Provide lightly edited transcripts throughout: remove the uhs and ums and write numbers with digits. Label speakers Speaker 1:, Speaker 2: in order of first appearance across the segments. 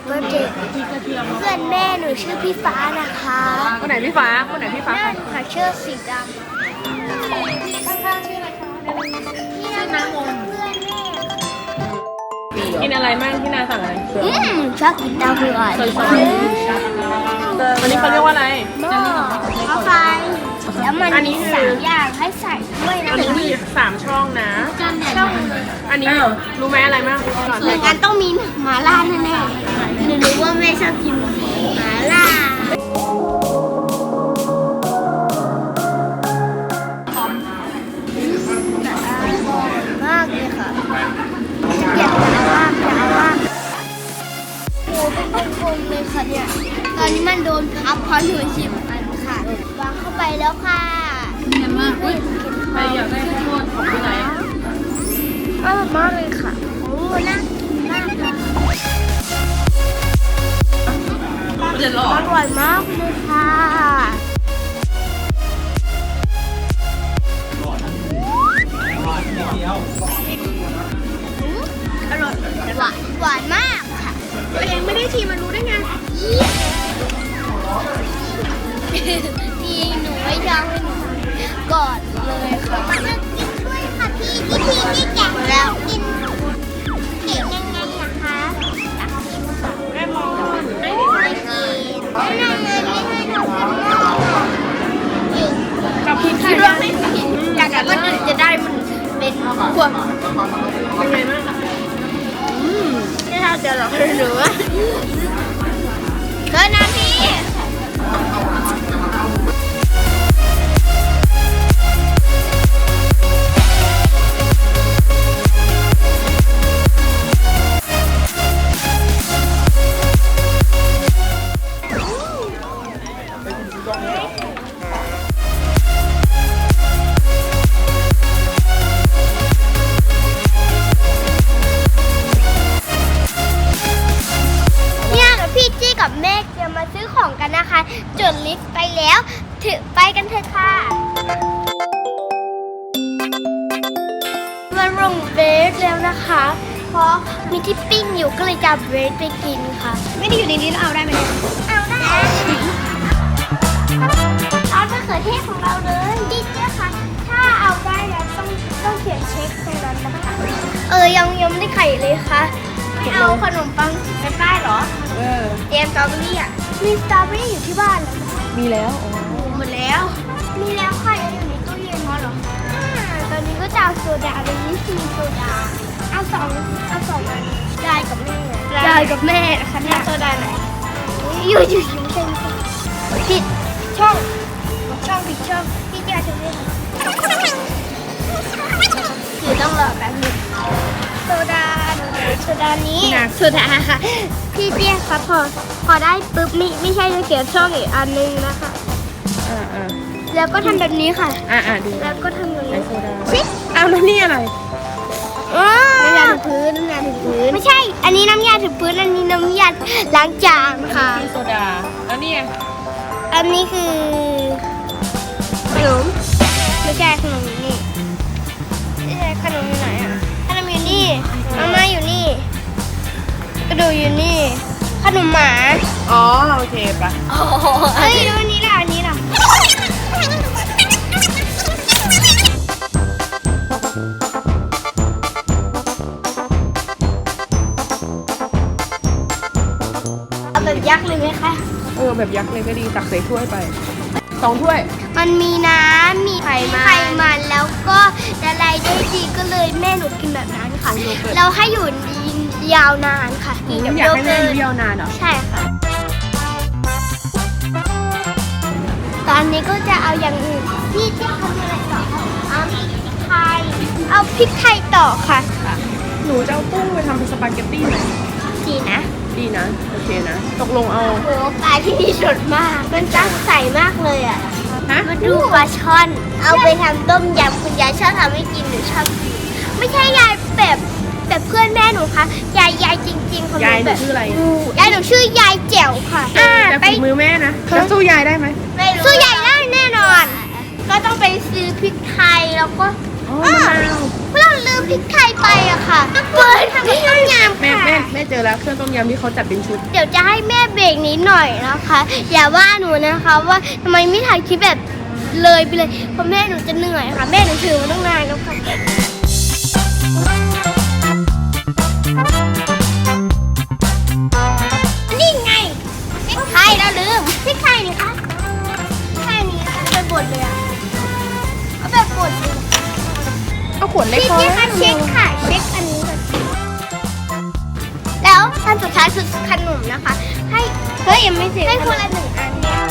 Speaker 1: เบิร์ธเดย์เพื่อนแม่หนูชื่อพี่ฟ้านะคะ
Speaker 2: คนไหนพี่ฟ้าคนไหนพี่ฟ้า
Speaker 1: นั่นค่ะเชือกสีดำ
Speaker 2: ข้างๆชื่ออะไรคะ
Speaker 1: นี่นะคะเพื่อนแม่
Speaker 2: กินอะไรมั่งที่นาสั่งอะไร
Speaker 1: ชอบกินเต้าหู้อ่อน
Speaker 2: วันนี้เขาเรียกว่าอะไร
Speaker 1: หม้อข้าวไฟแล้วมันมี3 อย่างให้ใส่ด้วยนะ
Speaker 2: อันนี้
Speaker 1: คะ
Speaker 2: มี3ช่องนะ
Speaker 1: ช่อง
Speaker 2: อันนี้รู้ไหมอะไรมั่งก่อน
Speaker 1: เหมือนกันต้องมีหมาล่าแน่ๆหนูรู้ว่าแม่ชอบกินหมาล่า มากเลยค่ะอยากจะว่างโอ้เป็นกลมๆเลยค่ะเนี่ย ตอนนี้มันโดนพับเพราะหนูชิมอันค่ะ วางเข้าไปแล้วค่ะนี่คือ
Speaker 2: ใครอยากได้ข้าวโพดของที่ไหน
Speaker 1: อร่อยมากเลยค่ะ โอ้น่ากินมากเลย
Speaker 2: เดือดร้อ
Speaker 1: อน ร่อยมากเลยค่ะอร่อยหวานมากค่ะ
Speaker 2: ตัวเองไม่ได้ทีมันรู้ได้ไง
Speaker 1: พี่หนูไม่ยอมให้หนูกอดเลยค่ะกินด้วยค่ะพี่แกะแล้วกินเก่งยังไงอะคะอยากกินค่ะ
Speaker 2: แม่มองไม่
Speaker 1: ไม่กินนั่นเลยไม่ให้ทำอยู่
Speaker 2: กับพริกไท
Speaker 1: คิ
Speaker 2: ย
Speaker 1: ดว่าไม่ผิดอยากแต่ว่าจะได้มันเป็นพวก
Speaker 2: เป็นไงบ้าง
Speaker 1: ไม่เท่าจะหรอกหรือว่าเธอนะพี่พี่จี้กับแม่จะมาซื้อของกันนะคะจดลิสต์ไปแล้วถือไปกันเถอะค่ะมาลงเบสแล้วนะคะ เพราะมีที่ปิ้งอยู่ก็เลยจะเอาเบสไปกินค่ะ ไม่ได้อยู่ในนี้เอาได้ไหมเอาได้เอามะเขือเทศของเราเลยดิเจ้าค่ะถ้าเอาได้แล้วต้องเขียนเช็คตรงนั้นนะคะยังไม่ได้ไข่เลยค่ะไม่เอาขนมปังไปป้ายเหรอ เตรียมสตรอเบอรี่อ่ะ มีสตรอเบอรี่อยู่ที่บ้านแล้ว
Speaker 2: มีแล้ว
Speaker 1: หมดแล้ว มีแล้วค่ะยังอยู่ในตู้เย็นเพราะเหรอตอนนี้ก็จะเอาโซดาเลยนี่คือโซดา เอาสองอันยายกับแม่นะคะเนี่ยโซดาไหนอยู่เช่นผิดช่องผิดช่องพี่จะถึงเลยคือต้องรอแป๊บนึงโซดานี้โซดาค่ะพี่เตี้ยครับพอได้ปุ๊บไม่ใช่จะเขียนช่องอีกอันนึงนะคะแล้วก็ทำแบบนี้ค่ะ
Speaker 2: ดู
Speaker 1: แล้วก็ทำอย่าง
Speaker 2: ไอ
Speaker 1: นี้
Speaker 2: โซดา
Speaker 1: ชิ
Speaker 2: เอาแล้วนี่อะไร
Speaker 1: น้ำยาถูพื้นไม่ใช่ อันนี้น้ำยาถูพื้นอันนี้น้ำยาล้างจานค่ะ
Speaker 2: มีโซดาแล้วนี่
Speaker 1: อันนี้คือขนมไม่ใช่ขนมอยู่นี่ไม่ใช่ขนมอยู่ไหนอ่ะขนมอยู่นี่มาม่าอยู่นี่กระดูกอยู่นี่ขนมหมา
Speaker 2: อ๋อโอเคปะ
Speaker 1: เฮ้ยดูอันนี้ล่ะเอาแบบยักษ์เลยไหมคะ
Speaker 2: แบบยักษ์เลยก็ดีตักใส่ถ้วยไป2 ถ้วย
Speaker 1: มันมีน้ำมีไขมันแล้วก็ละลายได้ดีก็เลยแม่หนูกินแบบนั้นค่ะ เราให้อยู่ยาวนานค่ะ
Speaker 2: อยากให้แม่ยาวนานเหรอ
Speaker 1: ใช่ค่ะ ตอนนี้ก็จะเอาอย่างอื่นพี่จะทำอะไรต่อคะเอาพริกไทยต่อค่ะ
Speaker 2: หนูจะเอากุ้งไปทำเป็นสปาเกตตี้ไหม
Speaker 1: ดีนะ
Speaker 2: ดีนะโอเคนะตกลงเอา
Speaker 1: โอ้ปลาที่นี่สดมาก มันตั้งใสมากเลยอ่ะ
Speaker 2: ฮะ
Speaker 1: มาดูปลาช่อน เอาไปทำต้มยำคุณยายชอบทำให้กินหนูชอบกินไม่ใช่ยายแบบเพื่อนแม่หนูค่ะยายจริงๆของหนู
Speaker 2: ยายหนู
Speaker 1: แบบ
Speaker 2: ชื่ออะไร
Speaker 1: ยายหนูชื่อยายแจ๋วค่ะ
Speaker 2: แต่
Speaker 1: ไป
Speaker 2: ฝีมือแม่นะแล้วสู้ยายได้ไหม
Speaker 1: สู้ยายได้แน่นอน ก็ต้องไปซื้อพริกไทยแล้วก็
Speaker 2: อ๋อมะนาว
Speaker 1: เราลืมพริกไทยไปอะค่ะเปิดทำต้มยำ
Speaker 2: แม่
Speaker 1: ค่ะ
Speaker 2: แม่เจอแล้วเครื่องต้มยำที่เขาจัดเป็นชุด
Speaker 1: เดี๋ยวจะให้แม่เบรกนิดหน่อยนะคะ อย่าว่าหนูนะคะว่าทำไมไม่ถ่ายคลิปแบบเลยไปเลยเพราะแม่หนูจะเหนื่อยค่ะแม่หนูถือมาตั้งนานแล้วค่ะนี่ไงพริกไทยเราลืมพริกไทยนี่คะแค่นี้ค่ะไปบดเลยอะเอาแบบบดเลย
Speaker 2: เอาขวดเล็ก
Speaker 1: พี่
Speaker 2: พอ
Speaker 1: พี่คะเช็คค่ะเช็คอันนี้ก่อนแล้วอันสุดท้ายคือขนมนะคะ ให้เฮ้ยยังไม่เสร็จให้คนละหนึ่งอันเนี่ย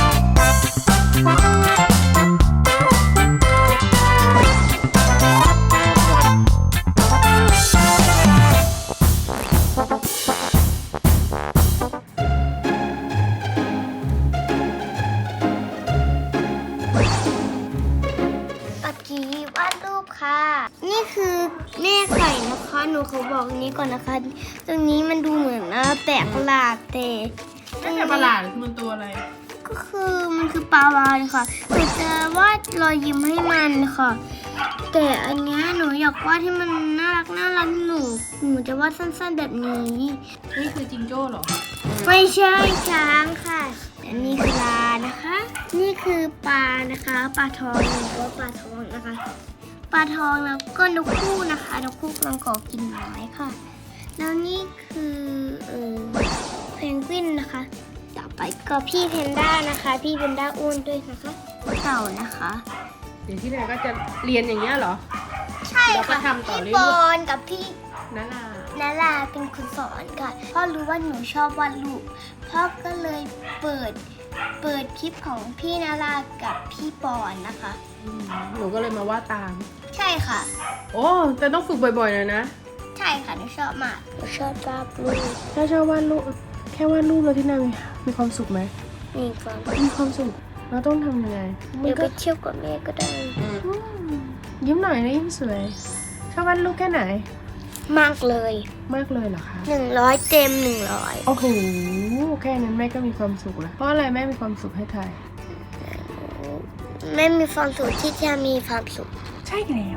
Speaker 1: ปักกี้วาดรูปค่ะ นี่คือแม่ไก่นะคะหนูเขาบอกนี้ก่อนนะคะ ตรงนี้มันดูเหมือนแปลกประหลาดแต่
Speaker 2: ไม่ใช่ประหลาดคือมันตัวอะไร
Speaker 1: ก็คือมันคือปลาวาฬค่ะหนูจะวาดรอยยิ้มให้มันค่ะ แต่อันเนี้ยหนูอยากวาดให้มันน่ารักหนูจะวาดสั้นๆแบบนี้
Speaker 2: นี่คือจิงโจ้เหรอ
Speaker 1: ไม่ใช่ช้างค่ะอันนี้คือปลานะคะ นี่คือปลานะคะปลาทองหรือว่าปลาทองนะคะ ปลาทองแล้วก็นกคู่นะคะนกคู่กำลังก่อกินไม้ค่ะ แล้วนี่คือเพนกวินนะคะ ต่อไปก็พี่เพนด้านะคะ พี่เพนด้าอ้วนด้วยนะคะเต่านะคะ
Speaker 2: เดี๋ยวที่ไหนก็จะเรียนอย่างเงี้ยเหรอ
Speaker 1: ใช่
Speaker 2: แล้วก็
Speaker 1: ค่ะ
Speaker 2: ทำต่อเรื่อยๆ
Speaker 1: พี่บอลกับพี่
Speaker 2: นารา
Speaker 1: นาราเป็นคนสอนค่ะพ่อรู้ว่าหนูชอบวาดรูปพ่อก็เลยเปิดคลิปของพี่นารากับพี่ปอนนะคะ
Speaker 2: หนูก็เลยมาวาดตาม
Speaker 1: ใช่ค่ะ
Speaker 2: โอ้แต่ต้องฝึกบ่อยๆหน่อยนะ
Speaker 1: ใช่ค่ะหนูชอบมากหนูชอบวาดรูป
Speaker 2: ถ้าชอบวาดรูปแค่วาดรูปแล้วที่นั่นมีความสุขไหม
Speaker 1: มีความ
Speaker 2: มีความสุขเราต้องทำยังไง
Speaker 1: เดี๋ยวไปเที่ยวกับแม่ก็ได้
Speaker 2: ยิ้มหน่อยนะยิ้มสวย ชอบวาดรูปแค่ไหน
Speaker 1: มากเลย
Speaker 2: มากเลยเหรอคะ
Speaker 1: 100 เต็ม 100
Speaker 2: โอ้โห แค่นั้นแม่ก็มีความสุขแล้ว เพราะอะไรแม่มีความสุขให้ทาย
Speaker 1: แม่มีความสุขที่จะมีความสุข
Speaker 2: ใช่แล้ว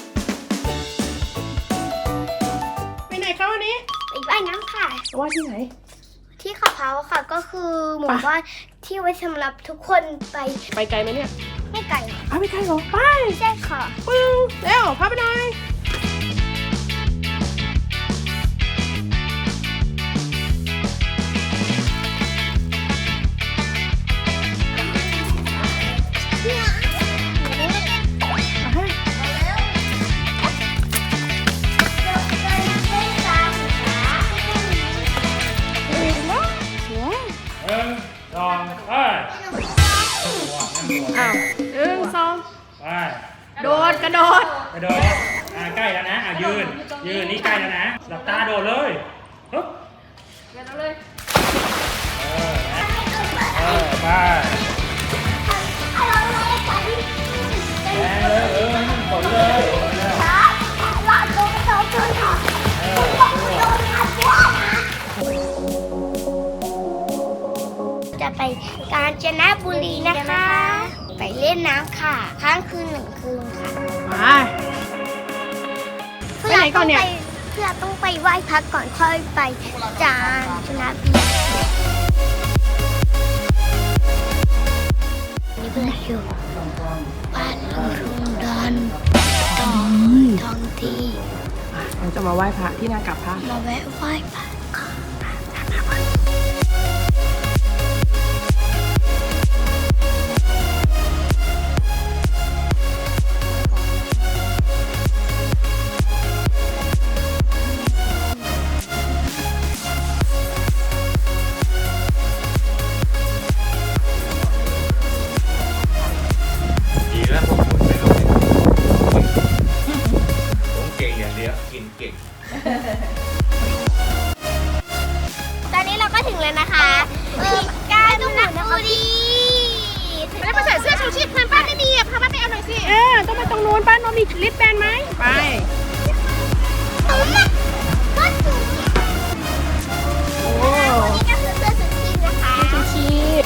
Speaker 2: ไปไหนคะวันนี้
Speaker 1: ไปว่ายน้ำค่ะ
Speaker 2: ว่าที่ไหน
Speaker 1: ที่เขาเผาค่ะก็คือหมู่บ้านที่ไว้สำหรับทุกคนไป
Speaker 2: ไปไกลไหมเนี่ย
Speaker 1: ไม่ไกล
Speaker 2: เอาไปไกลเหรอ ไป
Speaker 1: ใช่ค่ะ
Speaker 2: ปึ้งเร็วพาไปหน่อยเอาให้
Speaker 3: ลองไป
Speaker 2: อ้าว1 2
Speaker 3: ไป
Speaker 2: โดดกระโดด
Speaker 3: กระโดดใกล้แล้วนะยืนนี่ใกล้แล้วนะหลับตาโดดเลยฮึบไปแรงเลยให้มันฝนเลย
Speaker 1: จะไปกาญจนบุรีนะคะ ไปเล่นน้ำค่ะ ค้างคืน1 คืนค่ะ
Speaker 2: ไป ไปไหนก่อนเนี่ย
Speaker 1: เพื่อต้องไปไหว้พระก่อนค่อยไปกาญจนบุรีนี่เพื่อนอยู่บ้านลุงดันท้องที่
Speaker 2: เราจะมาไหว้พระที่นากับพระ
Speaker 1: มาแวะไหว้พระก่อน
Speaker 3: ดีแล้วผมไม่รู้ผมเก่งอย่างเดียวกินเก่ง
Speaker 1: ตอนนี้เราก็ถึงแล้วนะคะกาญจนบุรี
Speaker 2: แล้วมาใส่เสื้อชูชีพเพื่อนป้าไม่มีอ่ะพามาไปเอาหน่อยสิ ต้องไปตรงนู้นป้าน้องมีลิปแบนไหม ไป
Speaker 1: ก็ถึง
Speaker 2: โอ้
Speaker 1: นี่ก็คือเสื้อสุดทีนะคะ
Speaker 2: ชูชีพ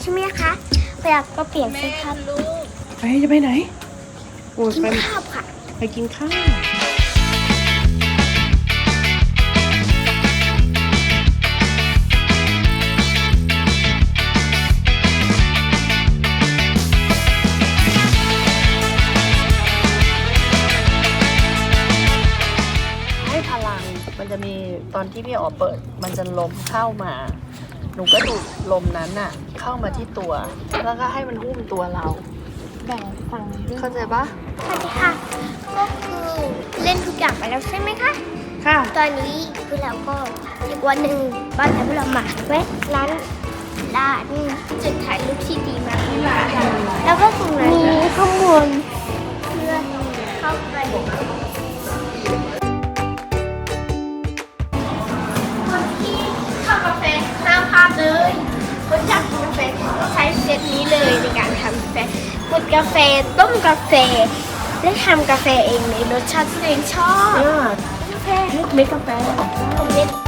Speaker 1: ช่ไหมคะเวลาก็เปลี่ยนเสื้อผ้า
Speaker 2: ไปจะไปไหนโอ้ย
Speaker 1: กิน
Speaker 2: ไป
Speaker 1: ข้าวค่ะ
Speaker 2: ไปกินข้าวให้พลังมันจะมีตอนที่พี่อ๋อเปิด มันจะลมเข้ามา หนูก็ดูดลมนั้นน่ะ เข้ามาที่ตัว แล้วก็ให้มันหุ้มตัวเรา
Speaker 1: แบบฟัง
Speaker 2: เข้าใจปะ
Speaker 1: สวัสดีค่ะ ก็คือเล่นทุกอย่างไปแล้วใช่ไหมคะ
Speaker 2: ค่ะ
Speaker 1: ตอนนี้พวกเราก็อีกวันหนึ่งบ้านแต่พวกเรามาแวะร้านจุดถ่ายรูปที่ดีมากแล้วก็ตรงนั้นมีข้างบนเพื่อเข้าไปคนที่เข้ากาแฟห้ามพลาดเลยคนอยากกินกาแฟก็ใช้เซตนี้เลยในการทำกาแฟกดกาแฟต้มกาแฟและทำกาแฟเองในรสชาติที่ตัวเองชอบ
Speaker 2: กาแฟเม็ดกาแฟ
Speaker 1: ผมเล่น